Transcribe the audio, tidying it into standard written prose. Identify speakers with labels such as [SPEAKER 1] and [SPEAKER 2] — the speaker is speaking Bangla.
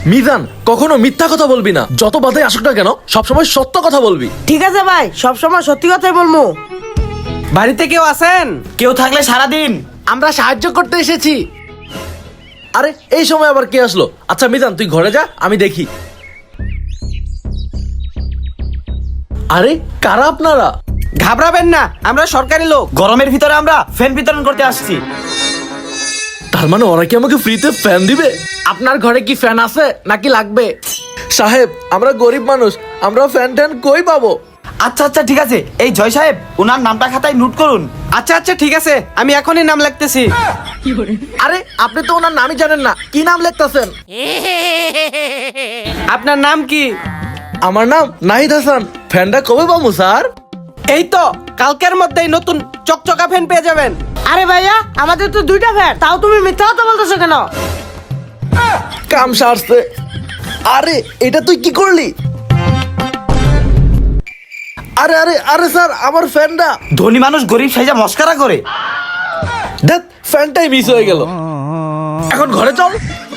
[SPEAKER 1] মিজান, কখনো মিথ্যা কথা বলবি না। যত বাধাই আসুক না কেন, সবসময় সত্য কথা বলবি।
[SPEAKER 2] ঠিক আছে ভাই, সবসময় সত্যি কথাই বলবো।
[SPEAKER 3] বাড়িতে কেউ আছেন?
[SPEAKER 4] কেউ থাকলে সারাদিন
[SPEAKER 1] আমরা সাহায্য করতে এসেছি। আরে এই সময় আবার কে আসলো? আচ্ছা মিজান, তুই ঘরে যা, আমি দেখি। আরে কারা আপনারা?
[SPEAKER 3] ঘাবড়াবেন না, আমরা সরকারি লোক।
[SPEAKER 4] গরমের ভিতরে আমরা ফ্যান বিতরণ করতে আসছি।
[SPEAKER 1] তার মানে ওরা কি আমাকে ফ্রিতে ফ্যান দিবে? আপনার ঘরে কি ফ্যান আছে নাকি লাগবে? সাহেব, আমরা গরিব মানুষ, আমরা ফ্যান ট্যান কই পাবো?
[SPEAKER 4] আচ্ছা আচ্ছা ঠিক আছে, এই জয় সাহেব ওনার নামটা খাতায় নোট করুন।
[SPEAKER 3] আচ্ছা আচ্ছা ঠিক আছে, আমি এখনই নাম লিখতেছি।
[SPEAKER 1] আরে আপনি তো ওনার নামই জানেন না, কি নাম লিখতেছেন?
[SPEAKER 3] আপনার নাম কি?
[SPEAKER 1] আমার নাম নাহিদ হাসান। ফ্যানটা কবে পাবো স্যার?
[SPEAKER 3] এই তো কালকের মধ্যেই নতুন চকচকা ফ্যান পেয়ে যাবেন।
[SPEAKER 2] আরে ভাইয়া, আমাদের তো 2টা ফ্যান, তাও তুমি মিথ্যা কথা বলতেছো কেন?
[SPEAKER 1] কাম সারছে। আরে এটা তুই কি করলি? আরে আরে আরে স্যার, আমার ফ্যানটা।
[SPEAKER 4] ধনী মানুষ গরিব সাইজা মস্কারা করে।
[SPEAKER 1] দেখ, ফ্যানটাই মিস হয়ে গেল। এখন ঘরে চল।